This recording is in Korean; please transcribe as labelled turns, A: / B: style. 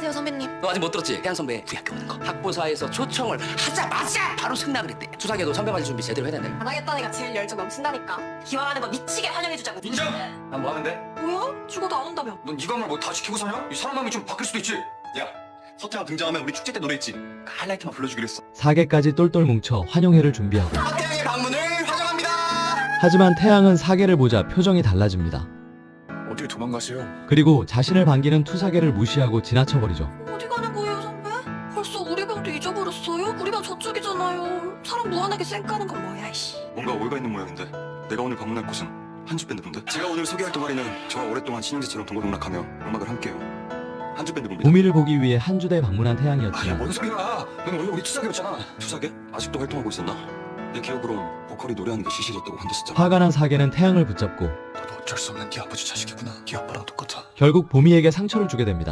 A: 안녕하세요 선배님.
B: 너 아직 못 들었지? 태양 선배 우리 학교 오는 거. 학부사에서 초청을 하자마자 바로 승낙을 했대. 투사계도 선배 맞을 준비 제대로 해야 된다.
A: 안 하겠다는 애가 제일 열정 넘친다니까. 기왕하는 거 미치게 환영해주자고.
C: 인정! 난 뭐 하면 돼?
A: 뭐야? 죽어도 안 온다며.
C: 넌 이 건물 뭐 다 지키고 사냐? 이 사람 마음이 좀 바뀔 수도 있지.
D: 야, 서태가 등장하면 우리 축제 때 노래했지. 그 하이라이트만 불러주기로 했어.
E: 사계까지 똘똘 뭉쳐 환영회를 준비하고,
D: 서태양의 방문을 환영합니다.
E: 하지만 태양은 사계를 보자 표정이 달라집니다.
D: 어딜 도망가세요?
E: 그리고 자신을 반기는 투사계를 무시하고 지나쳐버리죠.
A: 어디 가는 거예요 선배? 벌써 우리 방도 잊어버렸어요? 우리 방 저쪽이잖아요. 사람 무한하게 쌩까는 건 뭐야 이씨.
D: 뭔가 오해가 있는 모양인데. 내가 오늘 방문할 곳은 한주 밴드분들. 제가 오늘 소개할 동아리는 저와 오랫동안 신인제처럼 동고동락하며 음악을 함께해요. 한주 밴드분들.
E: 보미를 보기 위해 한주대 방문한 태양이었지만
D: 뭔 소리야? 넌 원래 우리 투사계였잖아. 투사계? 아직도 활동하고 있었나? 내 기억으론 보컬이 노래하는 게 시실이었다고 한댔었잖아.
E: 화가 난 사계는 태양을 붙잡고
D: 너도 어쩔 수 없는 네 아버지 자식이구나. 네 아빠랑 똑같아.
E: 결국 보미에게 상처를 주게 됩니다.